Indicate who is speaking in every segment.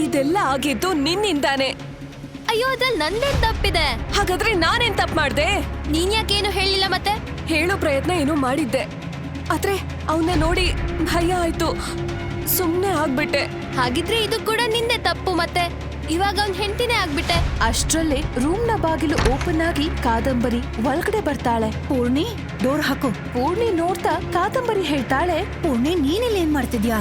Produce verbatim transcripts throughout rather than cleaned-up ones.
Speaker 1: ಇದೆಲ್ಲ ಆಗಿದ್ದು ನಿನ್ನಿಂದಾನೆ.
Speaker 2: ಅಯ್ಯೋ ಅದ್ರಲ್ಲಿ ನಂದೇನ್ ತಪ್ಪಿದೆ?
Speaker 1: ಹಾಗಾದ್ರೆ ನಾನೇನ್ ತಪ್ಪು ಮಾಡ್ದೆ?
Speaker 2: ನೀನ್ ಯಾಕೇನು ಹೇಳಿಲ್ಲ ಮತ್ತೆ?
Speaker 1: ಹೇಳೋ ಪ್ರಯತ್ನ ಏನೋ ಮಾಡಿದ್ದೆ, ಆದ್ರೆ ಅವನ್ನ ನೋಡಿ ಭಯ ಆಯ್ತು, ಸುಮ್ನೆ ಆಗ್ಬಿಟ್ಟೆ.
Speaker 2: ಹಾಗಿದ್ರೆ ಇದು ಕೂಡ ನಿಂದೆ ತಪ್ಪು ಮತ್ತೆ. ಇವಾಗ ಅವ್ನ್ ಹೆಂಡತಿನೇ ಆಗ್ಬಿಟ್ಟೆ.
Speaker 3: ಅಷ್ಟ್ರಲ್ಲೇ ರೂಮ್ ನ ಬಾಗಿಲು ಓಪನ್ ಆಗಿ ಕಾದಂಬರಿ ಒಳಗಡೆ ಬರ್ತಾಳೆ.
Speaker 4: ಪೂರ್ಣಿ, ಡೋರ್ ಹಾಕು.
Speaker 3: ಪೂರ್ಣಿ ನೋಡ್ತಾ ಕಾದಂಬರಿ ಹೇಳ್ತಾಳೆ,
Speaker 4: ಪೂರ್ಣಿ, ನೀನಿಲ್ಲಿ ಏನ್ ಮಾಡ್ತಿದ್ಯಾ?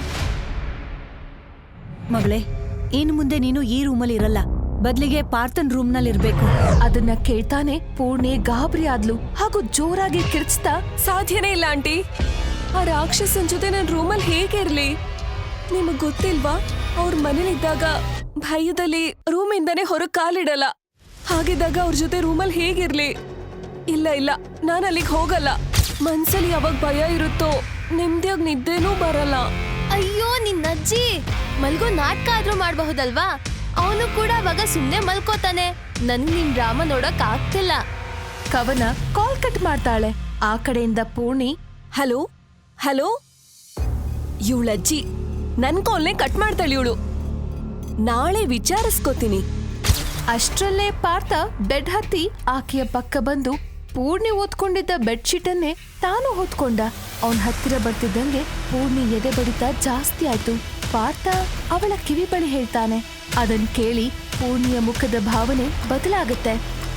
Speaker 4: ಮಗಳೇ, ಇನ್ನು ಮುಂದೆ ನೀನು ಈ ರೂಮಲ್ಲಿ ಇರಲ್ಲ, ಬದ್ಲಿಗೆ ಪಾರ್ಥನ್ ರೂಮ್ ನಲ್ಲಿ ಇರ್ಬೇಕು.
Speaker 3: ಅದನ್ನ ಕೇಳ್ತಾನೆ ಪೂರ್ಣಿ ಗಾಬರಿ ಆದ್ಲು ಹಾಗೂ ಜೋರಾಗಿ ಕಿರ್ಚ್ತಾ,
Speaker 1: ಸಾಧ್ಯನೇ ಇಲ್ಲ ಆಂಟಿ, ಆ ರಾಕ್ಷಸನ್ ಜೊತೆ ನನ್ ರೂಮಲ್ಲಿ ಹೇಗಿರ್ಲಿ? ನಿಮಗ್ ಗೊತ್ತಿಲ್ವಾ, ಅವ್ರ ಮನೇಲಿದ್ದಾಗ ಭಯದಲ್ಲಿ ರೂಮಿಂದಾನೇ ಹೊರಗ್ ಕಾಲಿಡಲ್ಲ. ಹಾಗಿದ್ದಾಗ ಅವ್ರ ಜೊತೆ ರೂಮಲ್ಲಿ ಹೇಗಿರ್ಲಿ? ಇಲ್ಲ ಇಲ್ಲ, ನಾನು ಅಲ್ಲಿಗೆ ಹೋಗಲ್ಲ. ಮನ್ಸಲ್ಲಿ ಯಾವಾಗ ಭಯ ಇರುತ್ತೋ ನೆಮ್ಮದಿಯಾಗಿ ನಿದ್ದೆನೂ ಬರಲ್ಲ.
Speaker 2: ಅಯ್ಯೋ ನಿನ್ನ ಅಜ್ಜಿ, ಮಲ್ಗೋ ನಾಟಕ ಆದ್ರೂ ಮಾಡ್ಬಹುದಲ್ವಾ? ಅವನು ಕೂಡ ಅವಾಗ ಸುಮ್ನೆ ಮಲ್ಕೋತಾನೆ. ನನ್ ನಿನ್ ಡ್ರಾಮಾ ನೋಡಕ್ ಆಗ್ತಿಲ್ಲ.
Speaker 3: ಕವನ ಕಾಲ್ ಕಟ್ ಮಾಡ್ತಾಳೆ. ಆ ಕಡೆಯಿಂದ ಪೂರ್ಣಿ,
Speaker 1: ಹಲೋ ಹಲೋ, ಇವಳಜ್ಜಿ ನನ್ ಕಾಲ್ನೇ ಕಟ್ ಮಾಡ್ತಾಳೆ ಇವಳು. ನಾಳೆ ವಿಚಾರಿಸ್ಕೋತೀನಿ.
Speaker 3: ಅಷ್ಟ್ರಲ್ಲೇ ಪಾರ್ಥ ಬೆಡ್ ಹತ್ತಿ ಆಕೆಯ ಪಕ್ಕ ಬಂದು ಪೂರ್ಣಿ ಓದ್ಕೊಂಡಿದ್ದ ಬೆಡ್ಶೀಟ್ ಅನ್ನೇ ತಾನು ಹೊತ್ಕೊಂಡ. ಅವನ್ ಹತ್ತಿರ ಬರ್ತಿದ್ದಂಗೆ ಪೂರ್ಣಿ ಎದೆ ಬಡಿತ ಜಾಸ್ತಿ ಆಯ್ತು. ಪಾರ್ಥ ಅವಳ ಕಿವಿ ಬಳಿ ಹೇಳ್ತಾನೆ. ಅದನ್ ಕೇಳಿ ಪೂರ್ಣಿಯ ಮುಖದ ಭಾವನೆ ಬದಲಾಗುತ್ತೆ.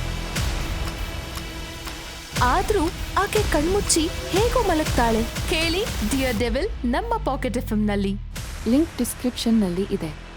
Speaker 3: ಆದ್ರೂ ಆಕೆ ಕಣ್ಮುಚ್ಚಿ ಹೇಗೋ ಮಲಗ್ತಾಳೆ. ಕೇಳಿ ಡಿಯರ್ ಡೆವಿಲ್ ನಮ್ಮ ಪಾಕೆಟ್ ಎಫ್ ಎಂ ನಲ್ಲಿ.
Speaker 5: ಲಿಂಕ್ ಡಿಸ್ಕ್ರಿಪ್ಷನ್ ನಲ್ಲಿ ಇದೆ.